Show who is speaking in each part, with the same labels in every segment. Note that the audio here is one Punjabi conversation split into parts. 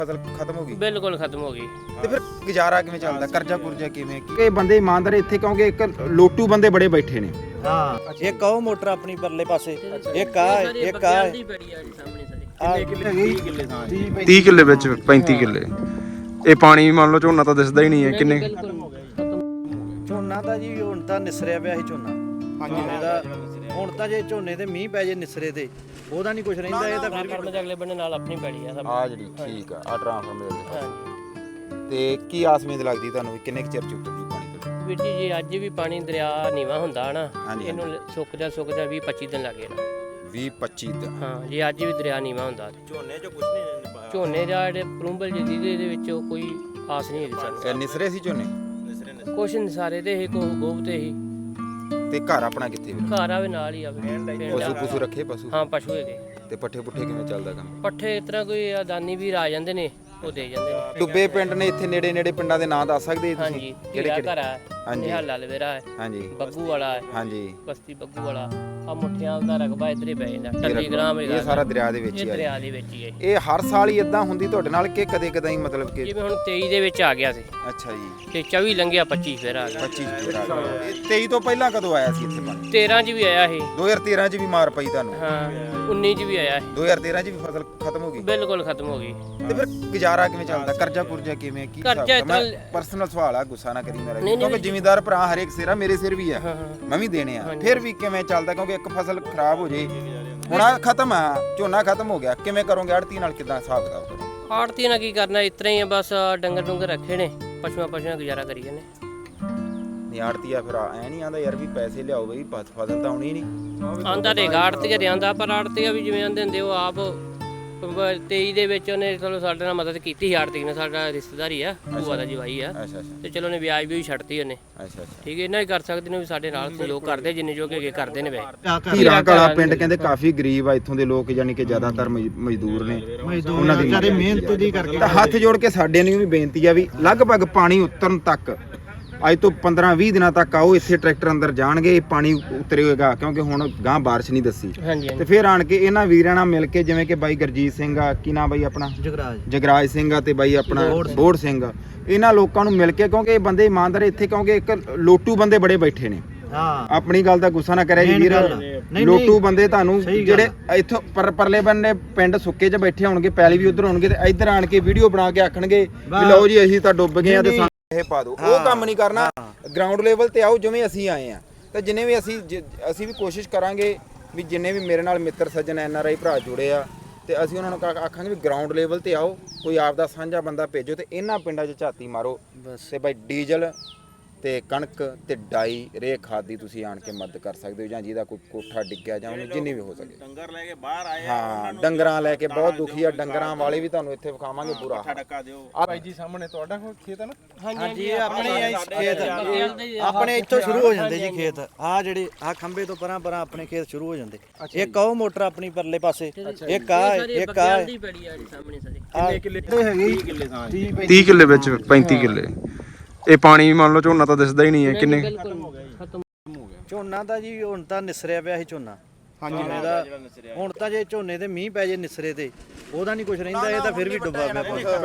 Speaker 1: ਫਸਲ ਖਤਮ ਹੋ ਗਈ,
Speaker 2: ਬਿਲਕੁਲ ਖਤਮ ਹੋ ਗਈ।
Speaker 1: ਤੇ ਫਿਰ ਗੁਜ਼ਾਰਾ ਕਿਵੇਂ ਚੱਲਦਾ? ਕਰਜ਼ਾ ਕੁਰਜ਼ਾ ਕਿਵੇਂ? ਕਿ ਬੰਦੇ ਇਮਾਨਦਾਰ ਇੱਥੇ ਕਿਉਂਕਿ ਇੱਕ ਲੋਟੂ ਬੰਦੇ ਬੜੇ ਬੈਠੇ ਨੇ।
Speaker 3: ਹਾਂ, ਇੱਕ ਉਹ ਮੋਟਰ ਆਪਣੀ ਪਰਲੇ ਪਾਸੇ, ਇੱਕ ਆ
Speaker 2: ਦੀ ਬੜੀ ਆ ਜੀ ਸਾਹਮਣੇ ਸਾਰੇ।
Speaker 4: 30 ਕਿੱਲੇ ਵਿੱਚ 35 ਕਿੱਲੇ। ਇਹ ਪਾਣੀ ਮੰਨ ਲਓ ਝੋਨਾ ਤਾਂ ਦਿਸਦਾ ਹੀ ਨਹੀਂ ਹੈ ਕਿੰਨੇ।
Speaker 3: ਝੋਨਾ ਤਾਂ ਜੀ ਹੁਣ ਤਾਂ ਨਿਸਰਿਆ ਪਿਆ ਸੀ ਝੋਨਾ। ਝੋਨੇ ਦਾ ਹੁਣ ਤਾਂ ਜੇ ਝੋਨੇ ਤੇ ਮੀਂਹ ਪੈ ਜੇ ਨਿਸਰੇ ਤੇ ਉਹਦਾ ਨਹੀਂ ਕੁਝ ਰਹਿੰਦਾ। ਇਹ ਤਾਂ ਫਿਰ
Speaker 2: ਫਾਰਮ ਦੇ ਅਗਲੇ ਬੰਨੇ ਨਾਲ ਆਪਣੀ ਪੈੜੀ ਆ ਸਭ।
Speaker 1: ਆ ਜਿਹੜੀ ਠੀਕ ਆ ਟ੍ਰਾਂਸਫਾਰਮਰ ਦੇ
Speaker 2: ਹਾਂਜੀ।
Speaker 1: ਤੇ ਕੀ ਆਸ ਉਮੀਦ ਲੱਗਦੀ ਤੁਹਾਨੂੰ ਵੀ ਕਿੰਨੇ ਕੁ ਚਿਰ ਚ ਉਤਰਦੀ ਪਾਣੀ ਤੋਂ?
Speaker 2: ਵੀਰ ਜੀ ਜੇ ਅੱਜ ਵੀ ਪਾਣੀ ਦਰਿਆ ਨੀਵਾ ਹੁੰਦਾ ਨਾ,
Speaker 1: ਹਾਂਜੀ,
Speaker 2: ਇਹਨੂੰ ਸੁੱਕ ਜਾ 20-25 ਦਿਨ ਲੱਗੇ ਨਾ।
Speaker 1: 20-25 ਦਿਨ?
Speaker 2: ਹਾਂ, ਜੇ ਅੱਜ ਵੀ ਦਰਿਆ ਨੀਵਾ ਹੁੰਦਾ ਤੇ
Speaker 3: ਝੋਨੇ 'ਚ ਕੁਝ ਨਹੀਂ।
Speaker 2: ਝੋਨੇ ਦਾ ਜਿਹੜੇ ਪਰੂੰਬਲ ਜਿਹਦੇ ਦੇ ਵਿੱਚ ਕੋਈ ਆਸ ਨਹੀਂ ਹੈਗੀ ਸਾਨੂੰ।
Speaker 1: ਇਹ ਨਿਸਰੇ ਸੀ ਝੋਨੇ?
Speaker 2: ਕੁਛ ਨਿਸਾਰੇ ਤੇ ਹੀ ਗੋਬ ਤੇ ਹੀ।
Speaker 1: ਤੇ ਘਰ ਆਪਣਾ ਕਿੱਥੇ ਵੀਰ?
Speaker 2: ਘਰ ਆਵੇ ਨਾਲ ਹੀ ਆਵੇ।
Speaker 1: ਪਸ਼ੂ ਪਸ਼ੂ ਰੱਖੇ? ਪਸ਼ੂ
Speaker 2: ਹਾਂ, ਪਸ਼ੂ ਹੈਗੇ।
Speaker 1: ਤੇ ਪੱਠੇ ਪੁੱਠੇ ਕਿਵੇਂ ਚੱਲਦਾ ਕੰਮ?
Speaker 2: ਪੱਠੇ ਇਸ ਤਰ੍ਹਾਂ ਕੋਈ ਅਦਾਨੀ ਵੀਰ ਆ ਜਾਂਦੇ ਨੇ, ਉਹ ਦੇ ਜਾਂਦੇ ਨੇ।
Speaker 1: ਡੁੱਬੇ ਪਿੰਡ ਨੇ ਇੱਥੇ ਨੇੜੇ ਨੇੜੇ ਪਿੰਡਾਂ ਦੇ ਨਾਂ ਦੱਸ ਸਕਦੇ ਤੁਸੀਂ?
Speaker 2: ਹਾਂਜੀ, ਕਿਹੜਾ ਘਰ ਆ?
Speaker 1: ਹਾਂਜੀ।
Speaker 2: ਨਿਹਾਲਾ ਲਵੇਰਾ ਹੈ,
Speaker 1: ਹਾਂਜੀ
Speaker 2: ਬੱਗੂ ਵਾਲਾ ਹੈ,
Speaker 1: ਹਾਂਜੀ।
Speaker 2: ਬਸਤੀ ਬੱਗੂ ਵਾਲਾ। ਆ ਮੁੱਠਿਆਂ ਦਾ ਰਕਬਾ ਇੱਧਰ ਹੀ ਪੈ ਜਾਂਦਾ। ਟੱਲੀ ਗ੍ਰਾਮ ਹੈਗਾ,
Speaker 1: ਇਹ ਸਾਰਾ ਦਰਿਆ ਦੇ ਵਿੱਚ
Speaker 2: ਇਹ
Speaker 1: ਹੀ ਆ।
Speaker 2: ਦਰਿਆ ਦੇ ਵਿੱਚ ਹੀ ਹੈ।
Speaker 1: ਇਹ ਹਰ ਸਾਲ ਹੀ ਇਦਾਂ ਹੁੰਦੀ ਤੁਹਾਡੇ ਨਾਲ ਕਿ ਕਦੇ ਕਦਾਈ ਮਤਲਬ ਕਿ?
Speaker 2: ਜਿਵੇਂ ਹੁਣ 23 ਦੇ ਵਿੱਚ ਆ ਗਿਆ ਸੀ
Speaker 1: ਅੱਛਾ ਜੀ।
Speaker 2: ਤੇ 24 ਲੰਘਿਆ, 25 ਫਿਰ ਆ ਗਿਆ।
Speaker 1: 25 ਫਿਰ ਆ ਗਿਆ। ਇਹ 23 ਤੋਂ ਪਹਿਲਾਂ ਕਦੋਂ ਆਇਆ ਸੀ ਇੱਥੇ ਪਾਣੀ?
Speaker 2: 13 ਚ ਵੀ ਆਇਆ ਸੀ।
Speaker 1: 2013 ਚ ਵੀ ਮਾਰ ਪਈ ਤੁਹਾਨੂੰ?
Speaker 2: ਹਾਂ, 19 ਚ ਵੀ ਆਇਆ ਸੀ।
Speaker 1: 2013 ਚ ਵੀ ਫਸਲ ਖਤਮ ਹੋ ਗਈ?
Speaker 2: ਬਿਲਕੁਲ ਖਤਮ ਹੋ ਗਈ।
Speaker 1: ਤੇ ਫਿਰ ਗੁਜ਼ਾਰਾ ਕਿਵੇਂ ਚੱਲਦਾ? ਕਰਜ਼ਾ ਕੁਰਜ਼ਾ ਕਿਵੇਂ? ਕੀ
Speaker 2: ਕਰਜ਼ਾ
Speaker 1: ਹਿਸਾਬ? ਮੈਂ ਪਰਸਨਲ ਸਵਾਲ ਆ, ਗੁੱਸਾ ਨਾ ਕਰੀ ਮੇਰਾ,
Speaker 2: ਨਹੀਂ,
Speaker 1: ਕਿਉਂਕਿ ਜ਼ਿਮੀਂਦਾਰ ਭਰਾ ਹਰੇਕ ਸਿਰ ਆ, ਮੇਰੇ ਸਿਰ ਵੀ ਆ,
Speaker 2: ਹਾਂ।
Speaker 1: ਮੈਂ ਵੀ ਦੇਣੇ ਆ। ਫਿਰ ਵੀ ਕਿਵੇਂ ਚੱਲਦਾ? ਕਿਉਂਕਿ ਇੱਕ ਫਸਲ ਖਰਾਬ ਹੋ ਜੇ, ਹੁਣ ਆ ਖਤਮ ਆ, ਝੋਨਾ ਖਤਮ ਹੋ ਗਿਆ, ਕਿਵੇਂ ਕਰੋਗੇ? ਆੜਤੀ ਨਾਲ ਕਿਦਾਂ ਹਿਸਾਬ ਕਿਤਾਬ ਕਰੋ?
Speaker 2: ਆੜਤੀ ਨਾਲ ਕੀ ਕਰਨਾ, ਇਸ ਤਰ੍ਹਾਂ ਹੀ ਆ ਬਸ। ਡੰਗਰ ਡੁੰਗਰ ਰੱਖੇ ਨੇ, ਪਸ਼ੂਆਂ ਗੁਜ਼ਾਰਾ ਕਰੀ ਜਾਂਦੇ।
Speaker 1: ਨਹੀਂ ਆੜਤੀ ਆ ਫਿਰ ਐ ਨਹੀਂ ਆਂਦਾ ਯਾਰ ਵੀ ਪੈਸੇ ਲਿਆਓ ਬਈ, ਫਸਲ ਤਾਂ ਆਉਣੀ ਨਹੀਂ
Speaker 2: ਆਂਦਾ ਤੇ ਆੜਤੀਆ ਦੇ ਆਂਦਾ, ਪਰ ਆੜਤੀਆ ਵੀ ਜਿਵੇਂ ਆਂਦੇ ਹੁੰਦੇ ਉਹ ਆਪ 23 ਦੇ ਵਿੱਚ ਉਹਨੇ ਚਲੋ ਸਾਡੇ ਨਾਲ ਮਦਦ ਕੀਤੀ ਸੀ। ਆੜਤੀ ਨੇ, ਸਾਡਾ ਰਿਸ਼ਤੇਦਾਰੀ ਆ, ਭੂਆ ਦਾ ਜਵਾਈ ਆ।
Speaker 1: ਅੱਛਾ ਅੱਛਾ
Speaker 2: ਤੇ ਚਲੋ ਨੇ ਵਿਆਜ ਵੀ ਛੱਡਤੀ ਉਹਨੇ।
Speaker 1: ਅੱਛਾ ਅੱਛਾ।
Speaker 2: ਠੀਕ ਹੈ, ਇਹਨਾਂ ਹੀ ਕਰ ਸਕਦੇ ਨੇ ਵੀ ਸਾਡੇ ਨਾਲ ਸਹਿਯੋਗ ਕਰਦੇ, ਜਿੰਨੇ ਜੋ ਕਿ ਕਰਦੇ ਨੇ ਵੇ।
Speaker 1: ਧੀਰਾਂ ਕਾਲਾ ਪਿੰਡ ਕਹਿੰਦੇ ਕਾਫੀ ਗਰੀਬ ਆ ਇੱਥੋਂ ਦੇ ਲੋਕ, ਯਾਨੀ ਕਿ ਜ਼ਿਆਦਾਤਰ ਮਜ਼ਦੂਰ ਨੇ, ਉਹਨਾਂ ਦੀ
Speaker 3: ਵਿਚਾਰੇ ਮਿਹਨਤ ਦੀ ਕਰਕੇ।
Speaker 1: ਤਾਂ ਹੱਥ ਜੋੜ ਕੇ ਸਾਡੇ ਨੂੰ ਵੀ ਬੇਨਤੀ ਆ ਵੀ ਲਗਭਗ ਪਾਣੀ ਉਤਰਨ ਤੱਕ, ਅੱਜ ਤੋਂ 15-20 ਦਿਨਾਂ ਤੱਕ ਆਓ, ਇੱਥੇ ਟਰੈਕਟਰ ਅੰਦਰ ਜਾਣਗੇ, ਪਾਣੀ ਉਤਰੇਗਾ, ਕਿਉਂਕਿ ਹੁਣ ਗਾਂ ਬਾਰਿਸ਼ ਨਹੀਂ ਦੱਸੀ।
Speaker 2: ਹਾਂਜੀ
Speaker 1: ਤੇ ਫਿਰ ਆਣ ਕੇ ਇਹਨਾਂ ਵੀਰਾਂ ਨਾਲ ਮਿਲ ਕੇ, ਜਿਵੇਂ ਕਿ ਬਾਈ ਗੁਰਜੀਤ ਸਿੰਘ ਆ, ਕੀ ਨਾਮ ਬਾਈ ਆਪਣਾ? ਜਗਰਾਜ ਸਿੰਘ ਆ, ਤੇ ਬਾਈ ਆਪਣਾ ਬੋੜ ਸਿੰਘ ਆ, ਇਹਨਾਂ ਲੋਕਾਂ ਨੂੰ ਮਿਲ ਕੇ, ਕਿਉਂਕਿ ਇਹ ਬੰਦੇ ਇਮਾਨਦਾਰ ਇੱਥੇ, ਕਿਉਂਕਿ ਇੱਕ ਲੋਟੂ ਬੰਦੇ ਬੜੇ ਬੈਠੇ ਨੇ।
Speaker 3: ਹਾਂ,
Speaker 1: ਆਪਣੀ ਗੱਲ ਦਾ ਗੁੱਸਾ ਨਾ ਕਰਿਆ ਜੀ ਵੀਰ, ਲੋਟੂ ਬੰਦੇ ਤੁਹਾਨੂੰ ਜਿਹੜੇ ਇੱਥੋਂ ਪਰਲੇ ਬੰਨੇ ਪਿੰਡ ਸੁੱਕੇ 'ਚ ਬੈਠੇ ਹੋਣਗੇ, ਪੈਲੀ ਵੀ ਉਧਰ ਹੋਣਗੇ, ਤੇ ਇੱਧਰ ਆਣ ਕੇ ਵੀਡੀਓ ਬਣਾ ਕੇ ਆਖਣਗੇ ਵੀ ਲਓ ਜੀ ਅਸੀਂ ਤਾਂ ਡੁੱਬ ਗਏ ਆ ਤੇ ਇਹ ਪਾ ਦਿਓ। ਉਹ ਕੰਮ ਨਹੀਂ ਕਰਨਾ, ਗਰਾਊਂਡ ਲੈਵਲ ਤੇ ਆਓ ਜਿਵੇਂ ਅਸੀਂ ਆਏ ਆ। ਤਾਂ ਜਿੰਨੇ ਵੀ ਅਸੀਂ ਵੀ ਕੋਸ਼ਿਸ਼ ਕਰਾਂਗੇ ਵੀ ਜਿੰਨੇ ਵੀ ਮੇਰੇ ਨਾਲ ਮਿੱਤਰ ਸੱਜਣ NRI ਭਰਾ ਜੁੜੇ ਆ, ਤੇ ਅਸੀਂ ਉਹਨਾਂ ਨੂੰ ਆਖਾਂਗੇ ਵੀ ਗਰਾਊਂਡ ਲੈਵਲ ਤੇ ਆਓ, ਕੋਈ ਆਪ ਦਾ ਸਾਂਝਾ ਬੰਦਾ ਭੇਜੋ ਤੇ ਇਹਨਾਂ ਪਿੰਡਾਂ 'ਚ ਝਾਤੀ ਮਾਰੋ। ਤੇ ਬਾਈ ਡੀਜ਼ਲ ਤੇ ਕਣਕ ਤੇ ਡਾਈ ਰੇ ਖਾਦ ਦੀ ਤੁਸੀਂ ਆਣ ਕੇ ਮਦਦ ਕਰ ਸਕਦੇ ਹੋ, ਜਾਂ ਜਿਹਦਾ ਕੋਈ ਕੋਠਾ ਡਿੱਗਿਆ ਜਾਂ ਉਹਨੂੰ ਜਿੰਨੀ ਵੀ ਹੋ ਸਕੇ।
Speaker 3: ਡੰਗਰ ਲੈ ਕੇ ਬਾਹਰ ਆਏ,
Speaker 1: ਹਾਂ, ਡੰਗਰਾਂ ਲੈ ਕੇ ਬਹੁਤ ਦੁਖੀ ਆ, ਡੰਗਰਾਂ ਵਾਲੇ ਵੀ ਤੁਹਾਨੂੰ ਇੱਥੇ ਵਿਖਾਵਾਂਗੇ ਪੂਰਾ।
Speaker 4: ਭਾਈ ਜੀ ਸਾਹਮਣੇ ਤੁਹਾਡਾ ਖੇਤ ਹੈ ਨਾ?
Speaker 3: ਹਾਂਜੀ, ਆਪਣੇ ਖੇਤ ਆਪਣੇ ਇੱਥੋਂ ਸ਼ੁਰੂ ਹੋ ਜਾਂਦੇ ਜੀ ਖੇਤ। ਆ ਜਿਹੜੇ ਆ ਖੰਭੇ ਤੋਂ ਪਰਾਂ ਆਪਣੇ ਖੇਤ ਸ਼ੁਰੂ ਹੋ ਜਾਂਦੇ। ਇੱਕ ਉਹ ਮੋਟਰ ਆਪਣੀ ਪਰਲੇ ਪਾਸੇ, ਇੱਕ ਆ
Speaker 2: ਦੀ ਬੜੀ ਆ ਜੀ ਸਾਹਮਣੇ ਸਾਰੇ।
Speaker 4: ਕਿੰਨੇ ਕਿੱਲੇ ਹੈਗੇ? 30 ਕਿੱਲੇ ਵਿੱਚ 35 ਕਿੱਲੇ। ਇਹ ਪਾਣੀ ਮੰਨ ਲਓ ਝੋਨਾ ਤਾਂ ਦਿਸਦਾ ਹੀ ਨਹੀਂ ਹੈ ਕਿੰਨੇ।
Speaker 2: ਖਤਮ
Speaker 3: ਝੋਨਾ ਤਾਂ ਜੀ ਹੁਣ ਤਾਂ ਨਿਸਰਿਆ ਪਿਆ ਸੀ ਝੋਨਾ। ਝੋਨੇ ਦਾ ਹੁਣ ਤਾਂ ਜੇ ਝੋਨੇ ਤੇ ਮੀਂਹ ਪੈ ਜੇ ਨਿਸਰੇ ਤੇ ਉਹਦਾ ਨਹੀਂ ਕੁਝ ਰਹਿੰਦਾ। ਇਹ ਤਾਂ ਫਿਰ ਵੀ ਡੁੱਬਾ ਪਿਆ।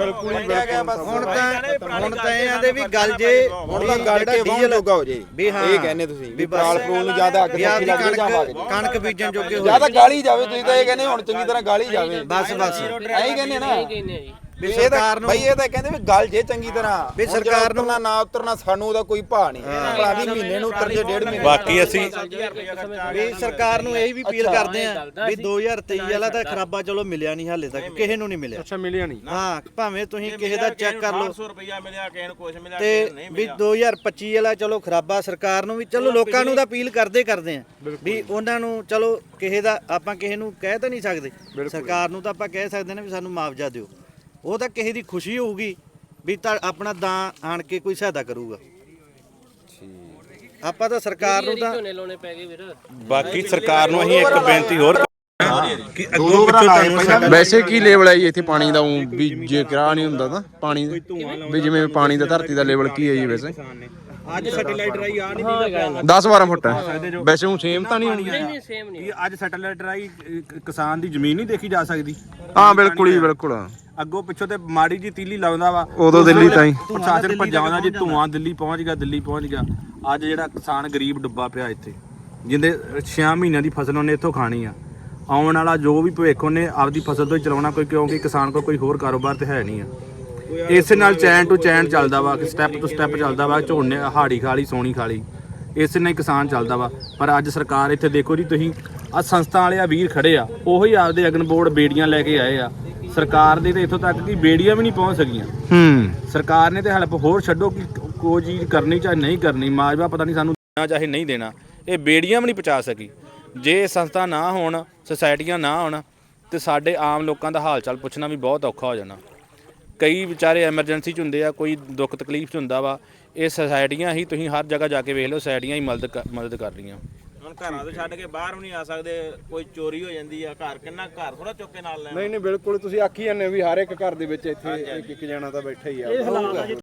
Speaker 3: ਹੁਣ ਤਾਂ ਇਹ ਆਂਦੇ ਵੀ ਗੱਲ ਜੇ
Speaker 1: ਹੁਣ ਤਾਂ ਗੱਲ ਕੇ ਡੀਜ਼ਲ ਜੋਗਾ ਹੋ ਜੇ, ਇਹ ਕਹਿੰਦੇ ਤੁਸੀਂ ਵੀ ਪਰਾਲ ਪ੍ਰੂਲ ਨੂੰ ਜ਼ਿਆਦਾ ਅੱਗ ਸੱਚੀ ਲੱਗ ਜਾਵਾਂਗੇ,
Speaker 3: ਕਣਕ ਬੀਜਣ ਜੋਗੇ ਹੋ
Speaker 1: ਜ਼ਿਆਦਾ ਗਾਲੀ ਜਾਵੇ। ਤੁਸੀਂ ਤਾਂ ਇਹ ਕਹਿੰਦੇ ਹੁਣ ਚੰਗੀ ਤਰ੍ਹਾਂ ਗਾਲੀ ਜਾਵੇ,
Speaker 3: ਬਸ
Speaker 1: ਐਂ ਕਹਿੰਦੇ ਨਾ
Speaker 2: ਜੀ।
Speaker 1: ਵੀ ਸਰਕਾਰ ਨੂੰ, ਬਈ ਇਹ ਤਾਂ ਕਹਿੰਦੇ ਵੀ ਗੱਲ ਜੇ ਚੰਗੀ ਤਰ੍ਹਾਂ
Speaker 3: ਵੀ ਸਰਕਾਰ ਨੂੰ
Speaker 1: ਨਾ ਉਤਰਨਾ, ਸਾਨੂੰ ਉਹਦਾ ਕੋਈ ਭਾਅ ਨਹੀਂ। ਭਲਾ ਵੀ ਮਹੀਨੇ ਨੂੰ ਉਤਰ ਜੇ, 1.5 ਮਹੀਨੇ।
Speaker 3: ਬਾਕੀ ਅਸੀਂ ਵੀ ਸਰਕਾਰ ਨੂੰ ਇਹ ਵੀ ਅਪੀਲ ਕਰਦੇ ਆਂ ਵੀ 2023 ਵਾਲਾ ਤਾਂ ਖਰਾਬਾ ਚਲੋ ਮਿਲਿਆ ਨਹੀਂ ਹਾਲੇ ਤੱਕ, ਕਿਸੇ ਨੂੰ ਨਹੀਂ ਮਿਲਿਆ।
Speaker 4: ਅੱਛਾ, ਮਿਲਿਆ ਨਹੀਂ?
Speaker 3: ਹਾਂ, ਭਾਵੇਂ ਤੁਸੀਂ ਕਿਸੇ ਦਾ ਚੈੱਕ ਕਰ ਲਓ,
Speaker 5: 500 ਰੁਪਇਆ ਮਿਲਿਆ, ਕਿਸੇ ਨੂੰ ਕੁਝ ਮਿਲਿਆ,
Speaker 3: ਤੇ ਵੀ 2025 ਵਾਲਾ ਚਲੋ ਖਰਾਬਾ ਸਰਕਾਰ ਨੂੰ ਵੀ, ਚਲੋ ਲੋਕਾਂ ਨੂੰ ਤਾਂ ਅਪੀਲ ਕਰਦੇ ਆਂ ਵੀ ਉਹਨਾਂ ਨੂੰ, ਚਲੋ ਕਿਸੇ ਦਾ ਆਪਾਂ ਕਿਸੇ ਨੂੰ ਕਹਿ ਤਾਂ ਨਹੀਂ ਸਕਦੇ, ਸਰਕਾਰ ਨੂੰ ਤਾਂ ਆਪਾਂ ਕਹਿ ਸਕਦੇ ਨੇ ਵੀ ਸਾਨੂੰ ਮੁਆਵਜ਼ਾ ਦਿਓ। ਉਹ ਤਾਂ ਕਿਸੇ ਦੀ ਖੁਸ਼ੀ ਹੋਊਗੀ ਵੀ ਤਾਂ ਆਪਣਾ ਦਾਂ ਆਣ ਕੇ ਕੋਈ ਸਹਾਇਤਾ ਕਰੂਗਾ। ਆਪਾਂ ਤਾਂ ਸਰਕਾਰ ਨੂੰ ਤਾਂ
Speaker 2: ਝੋਨੇ ਲਾਉਣੇ ਪੈ ਗਏ ਵੀਰ।
Speaker 5: ਬਾਕੀ ਸਰਕਾਰ ਨੂੰ ਅਸੀਂ ਇੱਕ ਬੇਨਤੀ ਹੋਰ
Speaker 4: ਵੈਸੇ ਕੀ ਲੈਵਲ ਹੈ ਜੀ ਇੱਥੇ ਪਾਣੀ ਦਾ? ਵੀ ਜੇ ਕਰਾ ਨਹੀਂ ਹੁੰਦਾ ਤਾਂ ਪਾਣੀ ਵੀ ਜਿਵੇਂ ਪਾਣੀ ਦਾ ਧਰਤੀ ਦਾ ਲੈਵਲ ਕੀ ਹੈ ਜੀ ਵੈਸੇ?
Speaker 5: ਅੱਜ ਸੈਟੇਲਾਈਟ ਰਾਈ ਆ ਨਹੀਂ
Speaker 4: 10-12 ਫੁੱਟ ਹੈ ਵੈਸੇ। ਉਹ ਸੇਮ ਤਾਂ ਨਹੀਂ ਹੋਣੀ?
Speaker 2: ਨਹੀਂ, ਸੇਮ ਨਹੀਂ।
Speaker 5: ਅੱਜ ਸੈਟੇਲਾਈਟ ਰਾਈ ਕਿਸਾਨ ਦੀ ਜ਼ਮੀਨ ਨਹੀਂ ਦੇਖੀ ਜਾ ਸਕਦੀ?
Speaker 4: ਹਾਂ, ਬਿਲਕੁਲ ਹੀ ਬਿਲਕੁਲ।
Speaker 5: ਅੱਗੋਂ ਪਿੱਛੋਂ ਤੇ ਮਾੜੀ ਜੀ ਤੀਲੀ ਲਾਉਂਦਾ ਵਾ
Speaker 4: ਉਦੋਂ ਦਿੱਲੀ ਤਾਈਂ
Speaker 5: ਪ੍ਰਸ਼ਾਸਨ ਭੱਜਾਉਂਦਾ ਜੀ ਧੂਆਂ ਦਿੱਲੀ ਪਹੁੰਚ ਗਿਆ ਅੱਜ ਜਿਹੜਾ ਕਿਸਾਨ ਗਰੀਬ ਡੁੱਬਾ ਪਿਆ ਇੱਥੇ ਜਿੰਦੇ 6 ਮਹੀਨਿਆਂ ਦੀ ਫਸਲ ਉਹਨੇ ਇੱਥੋਂ ਖਾਣੀ ਆ ਆਉਣ ਵਾਲਾ ਜੋ ਵੀ ਭਵਿੱਖ ਉਹਨੇ ਆਪਦੀ ਫਸਲ ਤੋਂ ਹੀ ਚਲਾਉਣਾ ਕਿਉਂਕਿ ਕਿਸਾਨ ਕੋਲ ਕੋਈ ਹੋਰ ਕਾਰੋਬਾਰ ਤੇ ਹੈ ਨਹੀਂ ਆ ਇਸੇ ਨਾਲ ਚੈਨ ਟੂ ਚੈਨ ਚੱਲਦਾ ਵਾ ਕਿ ਸਟੈਪ ਟੂ ਸਟੈਪ ਚੱਲਦਾ ਵਾ ਝੋਨੇ ਹਾੜੀ ਖਾ ਲਈ ਸੋਣੀ ਖਾ ਲਈ ਇਸੇ ਨਾਲ ਹੀ ਕਿਸਾਨ ਚੱਲਦਾ ਵਾ ਪਰ ਅੱਜ ਸਰਕਾਰ ਇੱਥੇ ਦੇਖੋ ਜੀ ਤੁਸੀਂ ਆ ਸੰਸਥਾ ਵਾਲੇ ਆ ਵੀਰ ਖੜੇ ਆ ਉਹੀ ਆਪਦੇ ਅਗਨ ਬੋਰਡ ਬੇੜੀਆਂ ਲੈ ਕੇ ਆਏ ਆ ਸਰਕਾਰ ਦੇ ਤੇ ਇੱਥੋਂ ਤੱਕ ਕਿ ਬੇੜੀਆਂ ਵੀ ਨਹੀਂ ਪਹੁੰਚ ਸਕੀਆਂ ਸਰਕਾਰ ਨੇ ਤੇ ਹੈਲਪ ਹੋਰ ਛੱਡੋ ਕਿ ਕੋਈ ਚੀਜ਼ ਕਰਨੀ ਚਾਹੇ ਨਹੀਂ ਕਰਨੀ ਮਾਜਵਾ ਪਤਾ ਨਹੀਂ ਸਾਨੂੰ ਦੇਣਾ ਚਾਹੇ ਨਹੀਂ ਦੇਣਾ ਇਹ ਬੇੜੀਆਂ ਵੀ ਨਹੀਂ ਪਹੁੰਚਾ ਸਕੀ ਜੇ ਸੰਸਥਾ ਨਾ ਹੋਣ ਸੁਸਾਇਟੀਆਂ ਨਾ ਹੋਣ ਤੇ ਸਾਡੇ ਆਮ ਲੋਕਾਂ ਦਾ ਹਾਲ ਚਾਲ ਪੁੱਛਣਾ ਵੀ ਬਹੁਤ ਔਖਾ ਹੋ ਜਾਣਾ ਕਈ ਵਿਚਾਰੇ ਐਮਰਜੈਂਸੀ 'ਚ ਹੁੰਦੇ ਆ ਕੋਈ ਦੁੱਖ ਤਕਲੀਫ 'ਚ ਹੁੰਦਾ ਵਾ ਇਹ ਸੁਸਾਇਟੀਆਂ ਹੀ ਤੁਸੀਂ ਹਰ ਜਗ੍ਹਾ ਜਾ ਕੇ ਵੇਖ ਲਓ ਸੁਸਾਇਟੀਆਂ ਹੀ ਮਦਦ ਕਰ ਰਹੀਆਂ ਹੁਣ ਘਰਾਂ ਤੋਂ ਛੱਡ ਕੇ ਬਾਹਰ ਵੀ ਨਹੀਂ ਆ ਸਕਦੇ ਕੋਈ ਚੋਰੀ ਹੋ ਜਾਂਦੀ ਆ ਘਰ ਕਿੰਨਾ ਘਰ ਥੋੜਾ ਚੁੱਕ ਕੇ ਨਾਲ ਲੈਣਾ
Speaker 4: ਨਹੀਂ ਬਿਲਕੁਲ ਤੁਸੀਂ ਆਖੀ ਜਾਂਦੇ ਵੀ ਹਰ ਇੱਕ ਘਰ ਦੇ ਵਿੱਚ ਇੱਥੇ ਇੱਕ ਜਣਾ ਤਾਂ ਬੈਠਾ ਹੀ ਆ